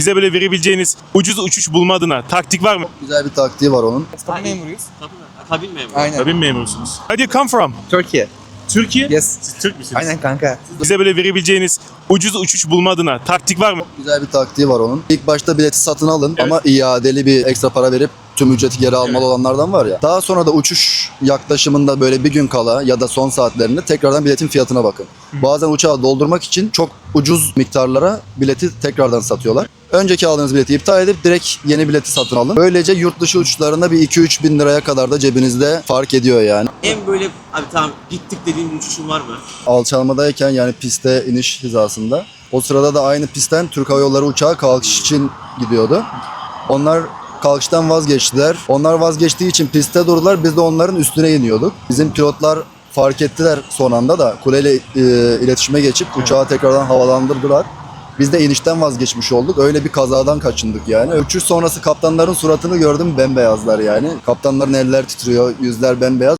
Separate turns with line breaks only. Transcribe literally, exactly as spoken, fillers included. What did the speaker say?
Bize böyle verebileceğiniz ucuz uçuş bulma adına taktik var mı?
Güzel bir taktiği var onun.
Kabin memuruyuz.
Kabin memuru.
Aynen.
Kabin memurusunuz. Where do you come from?
Türkiye.
Türkiye?
Yes.
Siz Türk müsünüz?
Aynen kanka.
Bize böyle verebileceğiniz ucuz uçuş bulma adına taktik var mı?
Güzel bir taktiği var onun. İlk başta bileti satın alın ama iadeli bir ekstra para verip tüm ücreti geri almalı
Evet.
olanlardan var ya. Daha sonra da uçuş yaklaşımında böyle bir gün kala ya da son saatlerinde tekrardan biletin fiyatına bakın. Bazen uçağı doldurmak için çok ucuz miktarlara bileti tekrardan satıyorlar. Önceki aldığınız bileti iptal edip direkt yeni bileti satın alın. Böylece yurt dışı uçuşlarında bir iki üç bin liraya kadar da cebinizde fark ediyor yani.
En böyle abi tamam gittik dediğin bir uçuşun var mı?
Alçalmadayken yani piste iniş hizasında. O sırada da aynı pistten Türk Hava Yolları uçağı kalkış için gidiyordu. Onlar kalkıştan vazgeçtiler. Onlar vazgeçtiği için pistte durdular. Biz de onların üstüne iniyorduk. Bizim pilotlar fark ettiler son anda da kuleyle e, iletişime geçip uçağı tekrardan havalandırdılar. Biz de inişten vazgeçmiş olduk. Öyle bir kazadan kaçındık yani. Uçuş sonrası kaptanların suratını gördüm, bembeyazlar yani. Kaptanların eller titriyor, yüzler bembeyaz.